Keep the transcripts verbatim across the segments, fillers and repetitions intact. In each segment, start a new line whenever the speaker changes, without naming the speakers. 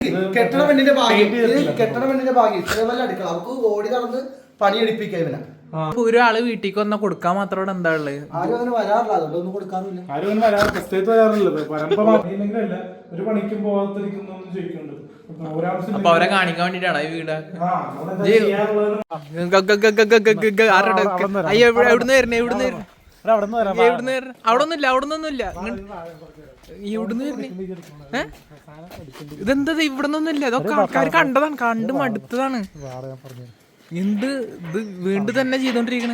കെട്ടണ പെണ്ണിന്റെ ഭാഗ്യം കെട്ടണ പെണ്ണിന്റെ ഭാഗ്യം ഇത്രയും അടുക്കള അവർക്ക് ഓടി നടന്ന് പണിയെടുപ്പിക്കുക ഇവനെ.
ഒരാള് വീട്ടിലേക്ക് വന്ന കൊടുക്കാൻ മാത്രം എന്താ ഉള്ളത്?
ആരും അങ്ങനെ വരാറില്ല, അതുകൊണ്ട് ഒന്നും കൊടുക്കാറില്ല.
ആരും അങ്ങനെ വരാറ് പ്രത്യേകത്ത് വരാറില്ലത് പരമ്പരയില്ലെങ്കിലല്ല ഒരു പണിക്കും പോകാത്തിരിക്കുന്നൊന്നും ചോദിക്കുന്നുണ്ട്.
അപ്പൊ അവരെ കാണിക്കാൻ വേണ്ടിട്ടാണ് ഈ വീട്. എവിടുന്ന് വരണേ? എവിടുന്ന് വരണേ? എവിടുന്ന് വരണേ? അവിടെ ഒന്നുമില്ല, അവിടെ ഒന്നുമില്ല. ഇവിടുന്ന് വരണേ? ഏഹ് ഇതെന്താ ഇവിടെ നിന്നൊന്നുമില്ല. ഇതൊക്കെ ആൾക്കാർ കണ്ടതാണ്, കണ്ട് മടുത്തതാണ്. എന്ത് ഇത് വീണ്ടും തന്നെ ചെയ്തോണ്ടിരിക്കണേ?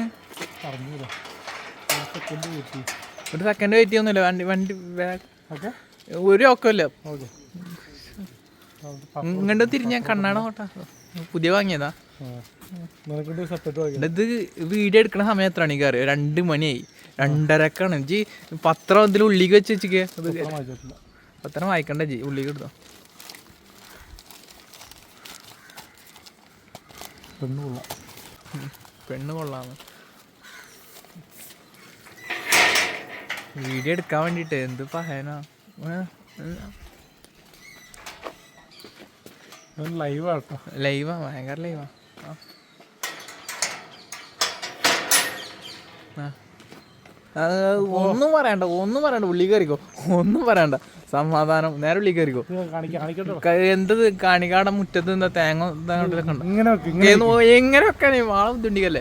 ഒരു സെക്കൻഡ് വെയിറ്റ് ചെയ്യുന്നില്ല. വണ്ടി വണ്ടി ഒരു ഒക്കമില്ല. ഇങ്ങോട്ട് തിരിഞ്ഞ കണ്ണാണ് കോട്ടാ. പുതിയ വാങ്ങിയതാ ഇത്. വീഡിയോ എടുക്കണ സമയം എത്രയാണ് എനിക്ക് അറിയാം? രണ്ട് മണിയായി, രണ്ടരക്കാണ് ജി. പത്രം ഇതിൽ ഉള്ളിക്ക് വെച്ച് വെച്ചിക്ക്. പത്രം വായിക്കണ്ട ജി, ഉള്ളിക്ക് എടുത്തോ.
പെണ്ണ് കൊള്ളാം,
പെണ്ണ് കൊള്ളാന്ന് വീഡിയോ എടുക്കാൻ വേണ്ടിട്ട്. എന്ത് പറയാനാ?
ലൈവാ
ലൈവാ, ഭയങ്കര ലൈവാ. ഒന്നും പറയണ്ട, ഒന്നും പറയണ്ട. ഉള്ളി കയറിക്കോ, ഒന്നും പറയണ്ട. സമാധാനം, നേരെ ഉള്ളി കയറിക്കോ. എന്തത് കാണിക്കാടെ മുറ്റത്ത് എന്താ തേങ്ങ എങ്ങനെ വെക്കാനേ വാള ബുദ്ധിമുട്ടിക്കല്ലേ?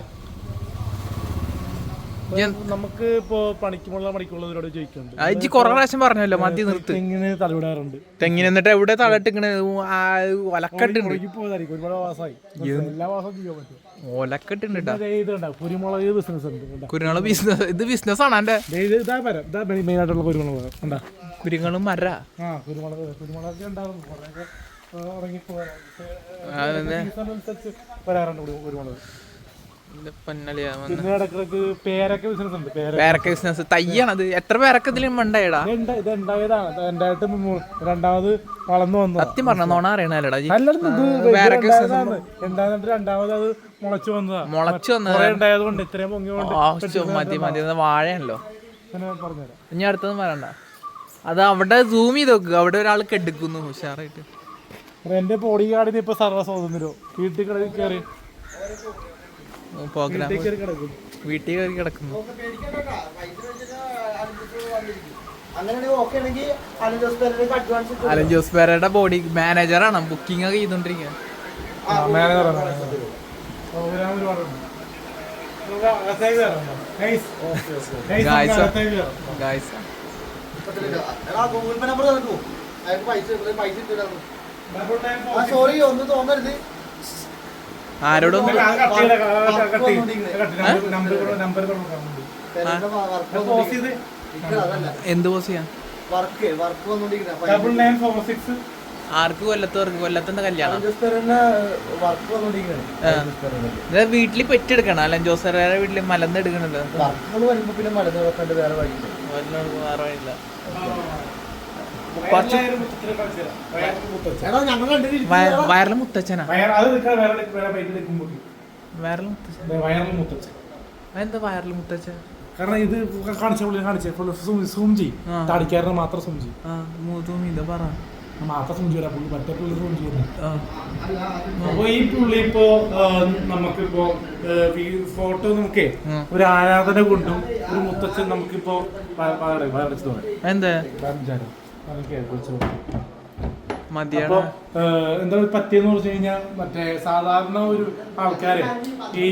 നമുക്ക് ഇപ്പോ പണിക്കുമുള്ള പണിക്കുള്ളവരോട് ചോദിക്കുന്നുണ്ട്.
അത് കൊറേ പ്രാവശ്യം പറഞ്ഞല്ലോ മതി നിർത്ത്.
തെങ്ങിന് തലവിടാറുണ്ട്.
തെങ്ങിന് എന്നിട്ട് എവിടെ തലട്ടിക്കണ്? ഒലക്കെട്ടുണ്ട്.
ഒരുപാട് മാസമായി, എല്ലാ മാസവും ചെയ്യാൻ പറ്റും.
ഒലക്കെട്ടുണ്ട്.
കുരുമുളക് ബിസിനസ് ഉണ്ട്.
കുരുമുളക് ബിസിനസ്. ഇത് ബിസിനസ് ആണ് എന്റെ.
മെയിൻ ആയിട്ടുള്ള കുരുമുളക് ഉണ്ടാ
കുരുങ്ങളും മര.
ആ കുരുമുളക് കുരുമുളക് ഉണ്ടാവും. വരാറുണ്ട് കുരുമുളക്. പേരക്ക ബിസിനസ് ഉണ്ട്.
പേരക്ക ബിസിനസ് തയ്യാണത്. എത്ര പേരക്ക ഇതിൽ മണ്ടായടാ?
ഇത് ഉണ്ടായതാണ്. രണ്ടായിട്ട് രണ്ടാമത് വളർന്നു വന്നു.
സത്യം പറഞ്ഞ നോണ അറിയണല്ലേടാ?
രണ്ടാമത് അത് മുളച്ചു വന്നതാ.
മുളച്ചു വന്നത്
ഉണ്ടായതുകൊണ്ട് ഇത്രയും പൊങ്ങി
മതി മതി. വാഴയാണല്ലോ.
പറഞ്ഞുതരാം.
ഇനി അടുത്തൊന്നും പറയണ്ട. അത് അവിടെ സൂം ചെയ്ത് നോക്കുക. അവിടെ ഒരാൾ കെടുക്കുന്നു ഉഷാറായിട്ട്.
എന്റെ ബോഡി ഗാർഡിന് ഇപ്പൊ സർവ്വ സ്വാതന്ത്ര്യോ വീട്ടിൽ കയറി
പ്രോഗ്രാം വീട്ടിൽ കയറി കിടക്കുന്നു. അലൻ ജോസ് പേരയുടെ ബോഡി മാനേജറാണ്. ബുക്കിംഗ് ഒക്കെ ചെയ്തോണ്ടിരിക്കുക.
സോറി, ഒന്ന് തോന്നരുത്.
ആരോടൊന്നും എന്ത് പോസ് ചെയ്യാം? ആർക്ക്? കൊല്ലത്തവർക്ക്. കൊല്ലത്തിന്റെ കല്യാണം വീട്ടില് പെറ്റെടുക്കണം. അലൻ ജോസറെ വീട്ടില് മലന്ന് എടുക്കണല്ലോ. വേറെ വഴിയില്ല. വയറില് മുത്തച്ഛനാ? വയറില് മുത്തച്ഛൻ. എന്താ വയറില് മുത്തച്ഛൻ?
കാരണം ഇത് കാണിച്ചേ സൂം ചെയ്യും. താടിക്കാരനെ മാത്രം സൂം ചെയ്യും.
പറ
മാത്രം സൂം ചെയ്യാ. പുള്ളി മറ്റേ പുള്ളി സൂം ചെയ്യുന്നത്. അപ്പൊ ഈ പുള്ളി ഇപ്പോ നമുക്കിപ്പോ ഫോട്ടോ നോക്കേ ഒരു ആരാധന കൊണ്ടും ഒരു മുത്തച്ഛൻ നമുക്കിപ്പോ
എന്താ
എന്താ പറ്റിയെന്ന് പറഞ്ഞു കഴിഞ്ഞാൽ മറ്റേ സാധാരണ ഒരു ആൾക്കാര് ഈ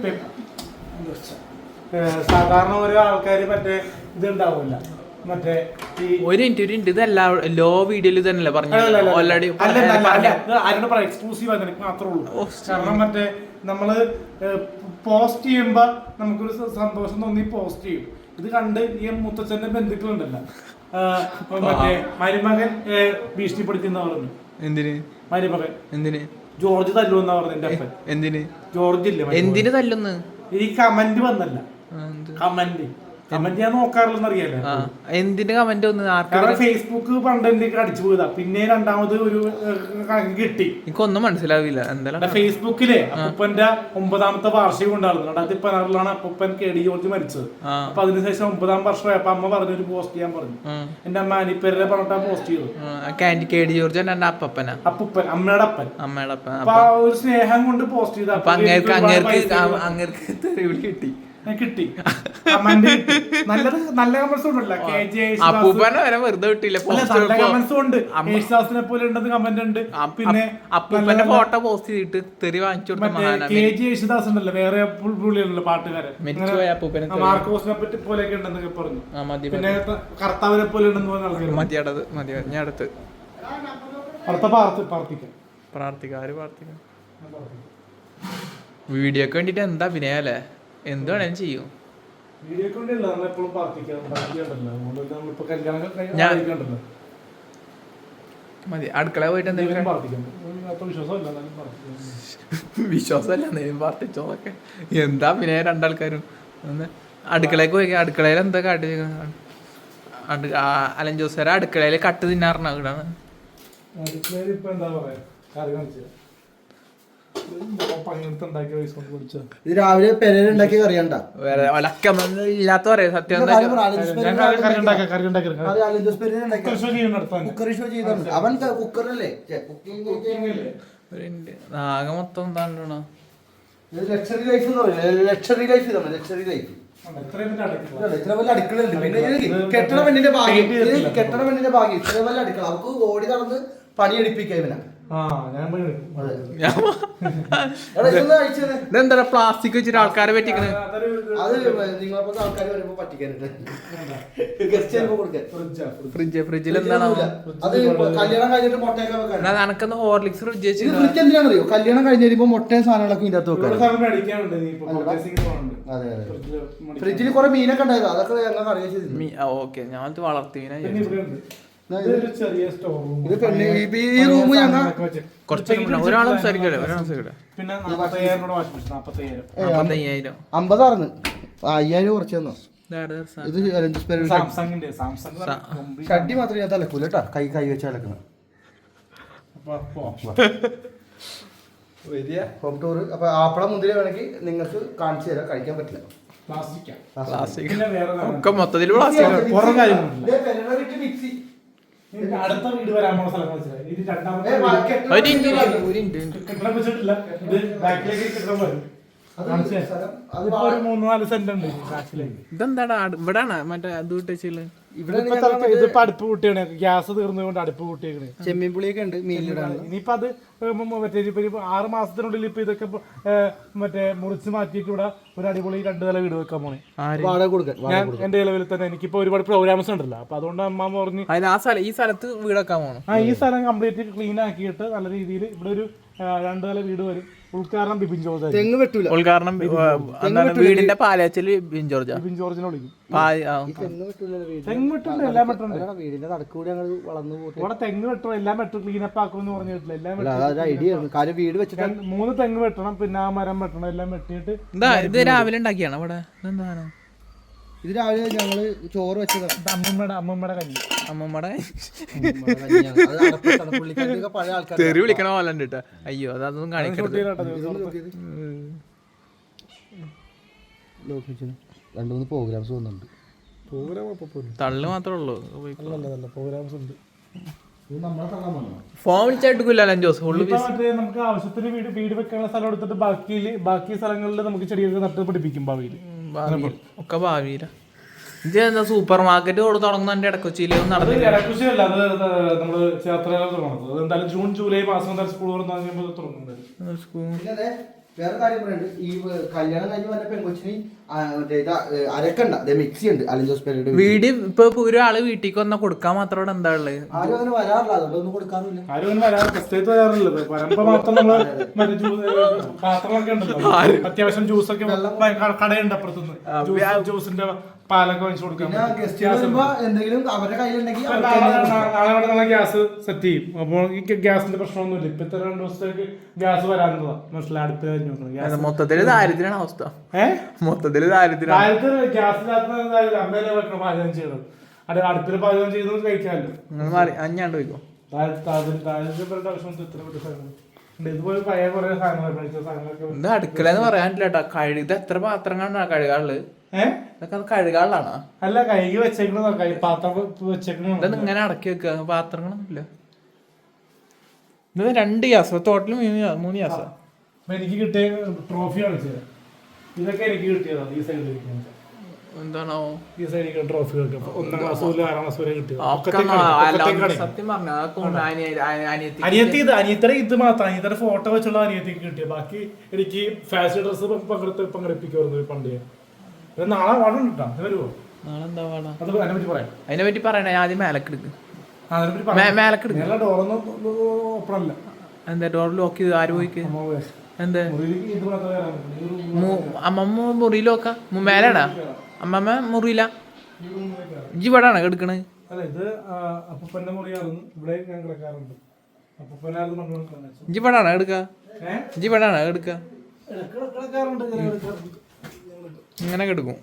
സാധാരണ ഓരോ ആൾക്കാര് മറ്റേ ഇത് ഉണ്ടാവില്ല. മറ്റേ
ഒരു മിനിറ്റ് ഒരു മിനിറ്റ് ഇതല്ല ലോ വീഡിയോയിൽ തന്നെയല്ലേ പറഞ്ഞു? ഓൾറെഡി
ആരോട് പറയാം, എക്സ്ക്ലൂസീവ് ആയിട്ട് എനിക്ക് മാത്രമേ ഉള്ളൂ. കാരണം മറ്റേ നമ്മള് പോസ്റ്റ് ചെയ്യുമ്പോ നമുക്കൊരു സന്തോഷം തോന്നി പോസ്റ്റ് ചെയ്യും. ഇത് കണ്ട് ഈ മുത്തച്ഛന്റെ ബന്ധുക്കളുണ്ടല്ലോ, മറ്റേ മരുമകൻ ഭീഷണിപ്പെടുത്തിയെന്നാ പറഞ്ഞു.
എന്തിന്
മരുമകൻ?
എന്തിന്?
ജോർജ് തല്ലുവെന്നാ പറഞ്ഞു എന്റെ അപ്പൻ.
എന്തിന്?
ജോർജ് ഇല്ല,
എന്തിന് തല്ലുന്ന്?
ഈ കമന്റ് വന്നല്ല, കമന്റ് കമന്റ് ഞാൻ നോക്കാറില്ലെന്ന് അറിയാലോ.
എന്തിന്റെ കമന്റ് ഒന്ന്
കാരണം ഫേസ്ബുക്ക് പണ്ട് എന്തൊക്കെ അടിച്ചു പോയതാ, പിന്നെ രണ്ടാമത് ഒരു കണക്ക് കിട്ടി.
എനിക്കൊന്നും മനസ്സിലാവില്ല എന്തായാലും.
ഫേസ്ബുക്കിലെ അപ്പൂപ്പന്റെ ഒമ്പതാമത്തെ വാർഷികം ഉണ്ടായിരുന്നു രണ്ടായിരത്തി പതിനാറിലാണ് അപ്പൂപ്പൻ കെ ഡി ജോർജ് മരിച്ചത്. അപ്പൊ അതിനുശേഷം ഒമ്പതാം വർഷമായപ്പോ അമ്മ പറഞ്ഞു ഒരു പോസ്റ്റ് ചെയ്യാൻ പറഞ്ഞു. എന്റെ അമ്മ അനിപ്പേരെ പറഞ്ഞിട്ടാ പോസ്റ്റ് ചെയ്തു.
കെ ഡി ജോർജ് എന്റെ അപ്പപ്പനാ,
അപ്പൂപ്പൻ അമ്മയുടെ അപ്പൻ.
അമ്മയുടെ അപ്പൻ.
അപ്പൊ ആ ഒരു സ്നേഹം കൊണ്ട് പോസ്റ്റ് ചെയ്ത
അങ്ങേർക്ക് അങ്ങേർക്ക് അങ്ങേർക്ക് തെറിവിളി കിട്ടി
കിട്ടി നല്ലത്. നല്ല കമന്റ്സ് ഉണ്ടല്ലോ,
അപ്പൂപ്പനെ വരെ വെറുതെ കിട്ടില്ല.
നല്ല കമന്റ്സ് ഉണ്ട്, യേശുദാസിനെ പോലെ ഉണ്ടെന്ന് കമന്റ് ഉണ്ട്. പിന്നെ
അപ്പൂപ്പന്റെ ഫോട്ടോ പോസ്റ്റ് ചെയ്തിട്ട് തെറി വാങ്ങിച്ചു കൊടുത്ത
കെ ജി യേശുദാസ് ഉണ്ടല്ലോ, വേറെ പുള്ളിയുണ്ടല്ലോ പാട്ടുകാരൻ, മാർക്കോസിനെ പറ്റി പോലെയൊക്കെ ഉണ്ടെന്നൊക്കെ പറഞ്ഞു. പിന്നെ കർത്താവിനെ പോലെ ഉണ്ടെന്ന് പറഞ്ഞ ആൾക്കാർ
മതിയാടത് മതി. ഞാൻ അടുത്ത്
പ്രാർത്ഥിക്കാം
പ്രാർത്ഥിക്കാം ആര് പ്രാർത്ഥിക്കാം. വീഡിയോക്ക് വേണ്ടിട്ട് എന്താ അഭിനയം അല്ലേ, എന്ത് വേണേലും ചെയ്യും. മതി അടുക്കള പോയിട്ട് എന്തെങ്കിലും വിശ്വാസമല്ല എന്തെങ്കിലും പ്രാർത്ഥിച്ചോന്നൊക്കെ. എന്താ പിന്നെ രണ്ടാൾക്കാരും ഒന്ന് അടുക്കളയ്ക്ക് പോയി. അടുക്കളയിൽ എന്താ കാട്ടി അലൻ ജോസേര അടുക്കളയിൽ കട്ട് തിന്നാറുണ്ടോ? ഇവിടാണ്
ഇത് രാവിലെ പെരേലുണ്ടാക്കിയ കറിയണ്ട,
വേറെ ഇല്ലാത്ത പറയാ സത്യം.
കുക്കറി ഷോ ചെയ്താണ് അവൻ. കുക്കറല്ലേ
ആകെ മൊത്തം എന്താണോ
ലക്ഷറി ലൈഫ് എന്ന് പറയുന്നത്. ലക്ഷറി ലൈഫ് ഇതാണ് ലക്ഷറി ലൈഫ്. ഇത്ര വല്ല അടുക്കളയുണ്ട്. പിന്നെ കെട്ടണ പെണ്ണിന്റെ ഭാഗ്യം, കെട്ടണ പെണ്ണിന്റെ ഭാഗ്യം ഇത്ര വല്ല അടുക്കള. അവർക്ക് ഓടി നടന്ന് പണിയെടുപ്പിക്കാം ഇവനാ.
ഇതെന്താ പ്ലാസ്റ്റിക് വെച്ചിട്ട് ആൾക്കാരെ പറ്റിക്കണേ?
അത് നിങ്ങളെ ആൾക്കാർ വരുമ്പോ പറ്റിക്കാനുണ്ട്.
ഫ്രിഡ്ജ് ഫ്രിഡ്ജിൽ എന്താണ്
അത് കല്യാണം കഴിഞ്ഞിട്ട് മുട്ടയൊക്കെ വെക്കാൻ.
നനക്കുന്ന ഹോർലിക്സ് ഫ്രിഡ്ജ് വെച്ച്
ഫ്രിഡ്ജ് എന്തിനാണെന്നറിയോ? കല്യാണം കഴിഞ്ഞ് വരുമ്പോ മുട്ടയും സാധനങ്ങളൊക്കെ ഇതിന്റെ അകത്ത് വെക്കാം. ഫ്രിഡ്ജിൽ കുറെ മീനൊക്കെ ഉണ്ടായത്, അതൊക്കെ ഞങ്ങൾക്ക് അറിയാം.
ഓക്കെ ഞാൻ വളർത്തി
ഈ റൂം ഞങ്ങൾ
ഒരാളും സംസാരിക്കട്ടെ.
അമ്പതാർന്ന് അയ്യായിരം കുറച്ച് തന്നോ. ഇത് ഷഡ്ഡി മാത്രമേ ഞാൻ തലക്കൂല കേട്ടാ, കൈ കൈ വെച്ച് അലക്കണം. Home tour. അപ്പൊ ആപ്പള മുന്തിരി വേണമെങ്കിൽ നിങ്ങൾക്ക് കാണിച്ചു തരാം, കഴിക്കാൻ പറ്റില്ല.
ഒക്കെ മൊത്തത്തിൽ പ്ലാസ്റ്റിക്.
അടുത്ത വീട് വരാൻ പോണ സ്ഥലം മനസ്സിലായി. ഇത് രണ്ടാമത്തെ അതിപ്പോ ഒരു മൂന്ന് നാല് സെന്റ് ഉണ്ട് ബാക്കിലേക്ക്.
ഇതെന്താടാ ഇവിടാണ് മറ്റേ അത് വിട്ടേച്ചില്ല.
ഇതിപ്പോ അടുപ്പ് കൂട്ടിയാണ്, ഗ്യാസ് തീർന്നുകൊണ്ട് അടുപ്പ് കൂട്ടിയേക്കണ്.
ചെമ്മീൻ പുളിയൊക്കെ ഉണ്ട് മീനിലിടാണ്.
ഇനിയിപ്പോ അത് മറ്റേ ഇപ്പൊ ആറ് മാസത്തിനുള്ളിൽ ഇപ്പൊ ഇതൊക്കെ മറ്റേ മുറിച്ച് മാറ്റിയിട്ട് ഇവിടെ ഒരു അടിപൊളി രണ്ടു നില വീട് വെക്കാൻ പോണേ. ഞാൻ എന്റെ നിലവിൽ തന്നെ എനിക്കിപ്പോ ഒരുപാട് പ്രോഗ്രാംസ് ഉണ്ടല്ലോ, അപ്പൊ അതുകൊണ്ട് അമ്മ പറഞ്ഞു
ഈ സ്ഥലത്ത് വീട് വെക്കാൻ പോകണം.
ആ ഈ സ്ഥലം കംപ്ലീറ്റ് ക്ലീൻ ആക്കിയിട്ട് നല്ല രീതിയിൽ ഇവിടെ ഒരു രണ്ടു നില വീട് വരും. ഉദ്ഘാടനം ബിപിൻ ജോർജ്.
തെങ്ങ് വെട്ടൂല.
ഉദ്ഘാടനം വീടിന്റെ പാലച്ചില് ബിപിൻ ജോർജ്.
ബിപിൻ ജോർജിനെ വിളിക്കും.
തെങ്ങ് വെട്ടൂല, എല്ലാം വെട്ടുണ്ട്. വീടിന്റെ നടക്കൂടി ഞങ്ങൾ വളർന്നു പോകും.
ഇവിടെ തെങ്ങ് വെട്ടണം, എല്ലാം വെട്ടും, ക്ലീനപ്പ് ആക്കുമെന്ന് പറഞ്ഞിട്ടില്ല. എല്ലാം
ഐഡിയ കാര്യം വീട് വെച്ചിട്ട്
മൂന്ന് തെങ്ങ് വെട്ടണം, പിന്നെ ആ മരം വെട്ടണം, എല്ലാം വെട്ടിയിട്ട്.
ഇത് രാവിലെ ഉണ്ടാക്കിയാണ് ഇവിടെ. എന്താണ്
ഇത്? രാവിലെ ഞങ്ങള് ചോറ് വെച്ചത്
അമ്മമ്മയുടെ അമ്മമ്മയുടെ കഞ്ഞി.
അമ്മമ്മയുടെ
പഴയ ആൾക്കാർ
തെറി വിളിക്കണ പോലെ ഉണ്ട് കേട്ടോ. അയ്യോ അതൊന്നും കാണിക്കരുത്.
രണ്ടു മൂന്ന് പ്രോഗ്രാംസ് വന്നിട്ടുണ്ട്.
തള്ളു മാത്രമേ ഉള്ളൂ.
പ്രോഗ്രാംസ് ഉണ്ട്.
ഫോൺ വിളിച്ചായിട്ടില്ല ജോസ്.
നമുക്ക് ആവശ്യത്തിന് വീട് വീട് വെക്കാനുള്ള സ്ഥലം എടുത്തിട്ട് ബാക്കി ബാക്കി സ്ഥലങ്ങളിൽ നമുക്ക് ചെടിയൊക്കെ നട്ട് പിടിപ്പിക്കും ഭാവിയിൽ.
ഒക്കെ ഭാവിയില. ഇത് എന്താ സൂപ്പർ മാർക്കറ്റ് തുടങ്ങുന്ന ഇടക്കൊച്ചിയിൽ നടന്നില്ല.
ഇടക്കൊച്ചിയല്ല, അത് നമ്മള് ചേർത്തല തുടങ്ങുന്നത്. എന്തായാലും ജൂൺ ജൂലൈ മാസം സ്കൂൾ തുടങ്ങുന്നത്.
വേറെ കാര്യം പറയുന്നുണ്ട്. ഈ കല്യാണം കഴിഞ്ഞ് വന്ന പെൺകൊച്ചിന് അരക്കണ്ട മിക്സി ഉണ്ട് അലൻ ജോസ് പെരേരയുടെ
വീട്. ഇപ്പൊ ഒരാള് വീട്ടിലേക്ക് വന്നാ കൊടുക്കാൻ മാത്രം എന്താ ഉള്ളത്?
ആരും അങ്ങനെ വരാറില്ല, അതുകൊണ്ടൊന്നും കൊടുക്കാറില്ല.
ആരും അങ്ങനെ വരാറില്ല. പരമ്പ മാത്രം നമ്മള് പാത്രങ്ങളൊക്കെ ഉണ്ടല്ലോ, അത്യാവശ്യം ജ്യൂസൊക്കെ കടയുണ്ട് അപ്പുറത്തുനിന്ന്. ജ്യൂസിന്റെ പാലൊക്കെ വാങ്ങിച്ചു കൊടുക്കാം.
പിന്നെ ഗസ്റ്റ് വരുമ്പോ എന്തെങ്കിലും അവരുടെ കയ്യിലുണ്ടെങ്കിൽ
നാളെ ഗ്യാസ് സെറ്റ് ചെയ്യും. അപ്പോൾ ഈ ഗ്യാസിന്റെ പ്രശ്നമൊന്നുമില്ല. ഇപ്പൊ ഇത്ര രണ്ടു ദിവസത്തേക്ക് ഗ്യാസ് വരാനുള്ളതാ. മനസ്സിലായി, അടുത്ത് കഴിഞ്ഞു
മൊത്തത്തില് ദാരിദ്ര്യാണ് അവസ്ഥ. ഏഹ് മൊത്തത്തില് ദാരിദ്ര്യം.
ദാരിദ്ര്യം ഗ്യാസിനകത്ത് അമ്മേനെ വെക്കണം പാചകം ചെയ്യണം. അത് അടുപ്പിൽ പാചകം ചെയ്ത് കഴിക്കാമല്ലോ.
അഞ്ഞാണ്ട് പോയിക്കോ.
ദാരിദ്ര്യപ്പെട്ട ആവശ്യം ഇത്ര വലിയ സാധനം ഇതുപോലെ പഴയ കുറെ സാധനങ്ങൾ സാധനങ്ങളൊക്കെ
ഇത് അടുക്കള എന്ന് പറയാനില്ല കേട്ടോ. കഴുകി എത്ര പാത്രം കാണാ കഴുകാള്? ഏഹ് ഇതൊക്കെ കഴുകാളാണോ?
അല്ല, കൈകി വെച്ചേക്കണ പാത്രം വെച്ചേക്കണ.
ഇതൊന്നും ഇങ്ങനെ അടക്കി വെക്കുക, പാത്രങ്ങളൊന്നുമില്ല. ഇത് രണ്ട് ഗ്യാസ്, ടോട്ടൽ മൂന്ന് ഗ്യാസ്.
അപ്പൊ എനിക്ക് കിട്ടിയ ട്രോഫി കാണിച്ചത് ഇതൊക്കെ എനിക്ക് കിട്ടിയതാണ്. ഈ സൈഡിൽ
എന്താണോ
ഈ സൈഡിൽ ട്രോഫികൾക്ക് ഒന്നാം ക്ലാസ് മുതൽ ആറാം ക്ലാസ് വരെ കിട്ടിയത്.
സത്യം പറഞ്ഞ
അനിയത്തി ഇത് അനിയത്തര ഇത് മാത്രം അനിയത്തര ഫോട്ടോ വെച്ചുള്ള അനിയത്തിക്ക് കിട്ടിയത്. ബാക്കി എനിക്ക് ഫാഷൻ ഡ്രസ് പങ്കെടുത്ത് പങ്കെടുപ്പിക്കുമായിരുന്നു പണ്ട്. നാളെ പാടും കിട്ടാം. വരുമോ?
നാളെ എന്താ പാടാ?
അത് അതിനെ പറ്റി പറയാം.
അതിനെ പറ്റി പറയണേ. ആദ്യം മേലക്കെടുക്ക്.
മേലക്കെടുക്ക്. ഡോറൊന്നും ഓപ്പൺ അല്ല.
എന്താ ഡോർ ലോക്ക് ചെയ്ത് ആര് പോയിക്ക്? എന്താ അമ്മമ്മ മുറിയിലോക്ക മേലാടാ? അമ്മമ്മ മുറിയില്ല. ഇജ്ജ് ഇവിടാണ് കിടക്കണത്?
ഇത് അപ്പൂപ്പന്റെ മുറിയായിരുന്നു. ഇവിടെ ഞാൻ കിടക്കാറുണ്ട്.
ഇജ്ജ് ഇവിടാണ് കിടക്ക? ഇജ്ജ് ഇവിടാണ് കിടക്ക? ഇങ്ങനെ കിടക്കും.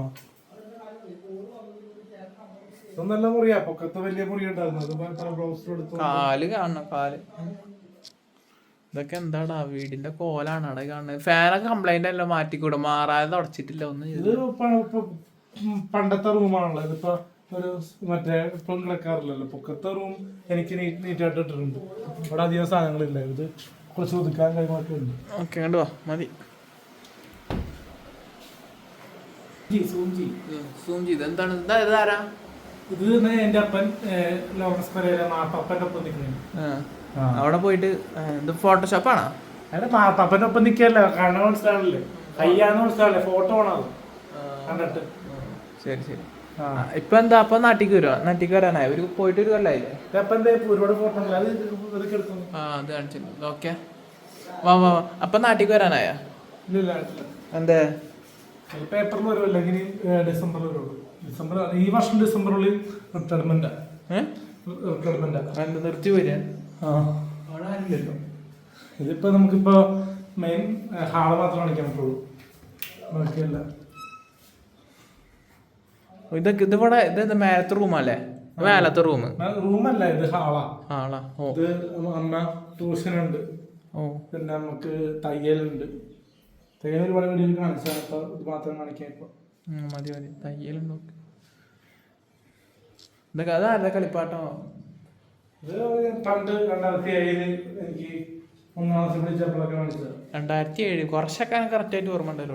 നല്ല മുറിയാ. പൊക്കത്ത് വലിയ മുറി ഉണ്ടായിരുന്നു.
കാല് കാണണം, കാല്. ഇതൊക്കെ എന്താടാ വീടിന്റെ കോലാണ് അവിടെ കാണുന്നത്. ഫാനൊക്കെ കംപ്ലൈന്റ് അല്ല, മാറ്റിക്കൂടെ? മാറാതെ തുടച്ചിട്ടില്ല ഒന്നും.
ഇത് പണ്ടത്തെ റൂമാണല്ലോ. ഇതിപ്പോ ഒരു മറ്റേ ഇപ്പം കിടക്കാറില്ലല്ലോ. പൊക്കത്തെ റൂം എനിക്ക് നീറ്റായിട്ട് ഇട്ടിട്ടുണ്ട്. ഇവിടെ അധികം സാധനങ്ങളില്ല. ഇത് കുറച്ച് ഒതുക്കാൻ കാര്യങ്ങളൊക്കെ ഉണ്ട്.
ഓക്കെ, കണ്ടുവാ മതി. എന്താണ് ഇതാരാ?
ഇത് എന്റെ അപ്പൻ ലോറൻസ് പെരേര മാപ്പപ്പന്റെ ഒപ്പം നിൽക്കുന്നത്.
അവിടെ പോയിട്ട് ഇത് ഫോട്ടോഷോപ്പാണോ?
അതെ, മാപ്പപ്പന്റെ ഒപ്പം നിൽക്കല്ല. കാണാൻ മനസ്സിലാവില്ലേ? കയ്യാന്ന് മനസ്സിലാവില്ലേ? ഫോട്ടോ ആണോ കണ്ടിട്ട്?
ശരി ശരി. ഇപ്പൊ എന്താ അപ്പൊ നാട്ടിക്ക് വരുവാ? നാട്ടിക്ക് വരാനായി ഒരു പോയിട്ട് ഒരു കൊല്ലായില്ലേ?
ഒരുപാട് ഫോട്ടോ
ആ അത് കാണിച്ചില്ല. ഓക്കെ, വാ വാ. അപ്പൊ നാട്ടിക്ക് വരാനായ? എന്തേ
പേപ്പറിൽ വരുമല്ലോ. ഇങ്ങനെ ഡിസംബറിൽ വരുള്ളൂ. ഡിസംബർ ഈ വർഷം ഡിസംബറിൽ റിട്ടയർമെന്റ് റിട്ടയർമെന്റ്
നിർത്തി വരിക.
ഇതിപ്പോ നമുക്കിപ്പോ മെയിൻ ഹാള് മാത്രം കാണിക്കാൻ പറ്റുള്ളൂ. ബാക്കിയല്ല.
ഇതൊക്കെ ഇതിവിടെ ഇത് മേലത്തെ റൂമല്ലേ? മേലത്തെ റൂം
റൂമല്ല, ഇത് ഹാളാ.
ഹാളാ. ഓ,
ഇത് അമ്മ ട്യൂഷനുണ്ട്.
ഓ,
പിന്നെ നമുക്ക് തയ്യലുണ്ട്. തയ്യൽ ഒരുപാട് വീഡിയോയിൽ കാണിച്ചാൽ ഇപ്പൊ ഇത് മാത്രം കാണിക്കാൻ. ഇപ്പൊ
മതി മതി. തയ്യലുണ്ടോ? ഇതൊക്കെ അതാരുടെ കളിപ്പാട്ടോ?
ഇത് പണ്ട് രണ്ടായിരത്തി ഏഴില് എനിക്ക് ഒന്നാം ക്ലാസ് പഠിച്ചപ്പോഴൊക്കെ കാണിച്ചത്.
രണ്ടായിരത്തി ഏഴ് കുറച്ചൊക്കെ കറക്റ്റ് ആയിട്ട് ഓർമ്മ ഉണ്ടല്ലോ.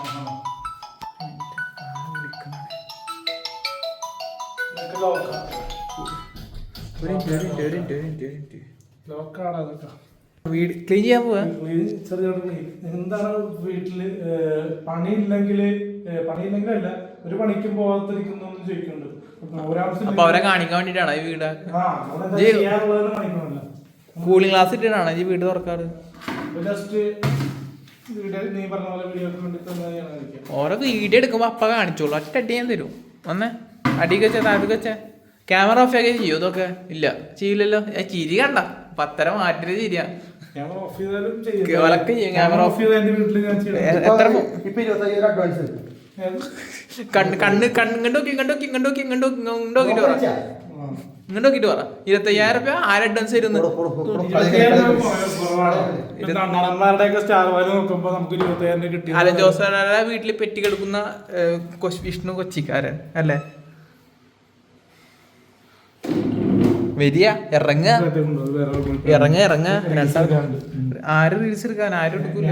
ലോക്കാണ് അതൊക്കെ.
വീട് ക്ലീൻ ചെയ്യാൻ പോവാ.
എന്താണ് വീട്ടില് പണിയില്ലെങ്കിൽ പണിയില്ലെങ്കിലല്ല ഒരു പണിക്കും പോകാത്തിരിക്കുന്നൊന്നും ചോദിക്കുന്നുണ്ട്.
അപ്പൊ അവരെ കാണിക്കാൻ വേണ്ടിട്ടാണ് ഈ വീട്. കൂളിംഗ് ക്ലാസ് ഇട്ടാണ് ഈ വീട് തുറക്കാറ്. ഓരോ വീഡിയോ എടുക്കുമ്പോ അപ്പ കാണിച്ചോളൂ. ഒറ്റ അടി ഞാൻ തരും. വന്നേ അടിക്ക് വെച്ചാ താഴത്തേക്ക് വെച്ചാ ക്യാമറ ഓഫ് ആക്കി ചെയ്യോ? ഇതൊക്കെ ഇല്ല, ചെയ്യില്ലല്ലോ. ചിരി കണ്ട പത്തര മാറ്റിട്ട് ചിരിയാ. ക്യാമറ ഓഫ് കണ്ണ് കണ്ണ് കണ്ണുണ്ടോക്കി ഇങ്ങോട്ടോക്കി ഇങ്ങോട്ടോക്കി ഇങ്ങോട്ടോക്കി ഇങ്ങോട്ടോക്കിട്ട് പറ ഇങ്ങോട്ടോക്കിട്ട് പറ ഇരുപത്തയ്യായിരം രൂപ ആര് അഡ്വാൻസ് തരുന്നു? അലൻ ജോസഫ് വീട്ടിൽ പെറ്റി കിടക്കുന്ന വിഷ്ണു കൊച്ചിക്കാരൻ അല്ലേ? വരിക ഇറങ്ങ ഇറങ്ങ ഇറങ്ങ ആര് റീൽസ് എടുക്കാൻ ആരും എടുക്കൂല.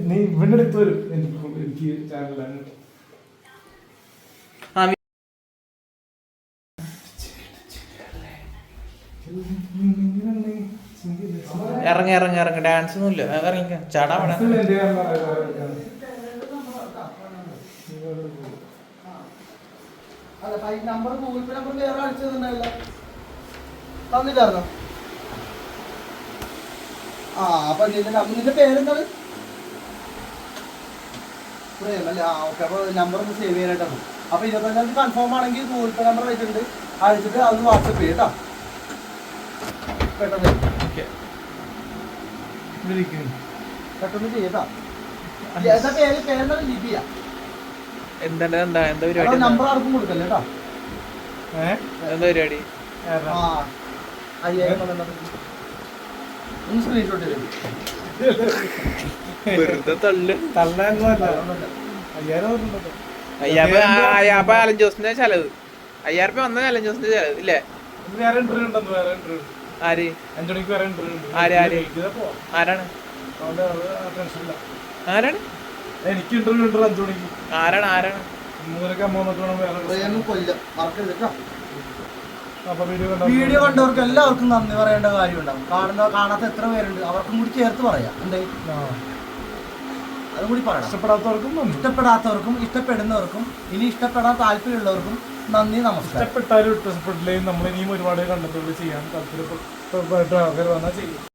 ഇറങ്ങ ഇറങ്ങ ഇറങ്ങ ഡാൻസ് ഒന്നും ഇല്ല. ഇറങ്ങിക്ക ചാടാ വേണം.
തന്നില്ലായിരുന്നോ? ആ അപ്പൊ നിന്റെ പേരെന്താണ്? പ്രേമല്ലേ? ആ ഓക്കെ. അപ്പൊ നമ്പർ ഒന്ന് സേവ് ചെയ്യാനായിട്ടാണ്. അപ്പൊ ഇരുപത്തഞ്ചാം തീയതി കൺഫേം ആണെങ്കിൽ ഗൂഗിൾ പേ നമ്പർ വെച്ചിട്ടുണ്ട്, അയച്ചിട്ട് അതൊന്ന് വാട്സപ്പ് ചെയ്യും കേട്ടോ. പെട്ടെന്ന് പെട്ടെന്ന് ചെയ്യട്ടോ. എന്താ പേര്? പേരെന്താ? ലിപിയ.
എന്താ എന്താ എന്താ പരിപാടി?
നമ്പർ ആർക്കും കൊടുക്കല്ലേ കേട്ടോ.
എന്താ പരിപാടി?
ആ അയ്യായിരം ഒന്ന് സ്ക്രീൻഷോട്ട് ചെയ്തു.
വെറുതെ തള്ളു.
അയ്യായിരം
അയ്യാപ്പ അലൻ ജോസിന്റെ ചെലവ്, അയ്യായിരം രൂപ വന്ന അലൻ ജോസിന്റെ ചെലവ് ഇല്ലേ?
വേറെ ഇന്റർവ്യൂ ഉണ്ടെന്ന്, വേറെ ഇന്റർവ്യൂ
ആര്
അഞ്ചു മണിക്ക് വേറെ ഇന്റർവ്യൂ ഉണ്ട്.
ആര് ആര് ആരാണ് ആരാണ്
എനിക്ക് ഇന്റർവ്യൂ ഉണ്ട് അഞ്ചു മണിക്ക്.
ആരാണ് ആരാണ്
മൂന്നരക്ക് അമ്മ
കൊല്ലം മറക്കരുത് കേട്ടോ.
അപ്പൊ വീഡിയോ കണ്ടോ?
വീഡിയോ കണ്ടവർക്ക് എല്ലാവർക്കും നന്ദി പറയേണ്ട കാര്യം ഉണ്ടാവും. കാണുന്ന കാണാത്ത എത്ര പേരുണ്ട് അവർക്കും കൂടി ചേർത്ത് പറയാം. എന്തേ അതും കൂടി പറയണം.
ഇഷ്ടപ്പെടാത്തവർക്കും
ഇഷ്ടപ്പെടാത്തവർക്കും ഇഷ്ടപ്പെടുന്നവർക്കും ഇനി ഇഷ്ടപ്പെടാൻ താല്പര്യമുള്ളവർക്കും നന്ദി, നമസ്കാരം.
ഇഷ്ടപ്പെട്ടാലും ഇഷ്ടപ്പെട്ടില്ലെങ്കിൽ നമ്മൾ ഇനിയും ഒരുപാട് കണ്ടന്റുകൾ ചെയ്യാൻ താല്പര്യപ്പെട്ട ആൾക്കാർ വന്നാൽ ചെയ്യും.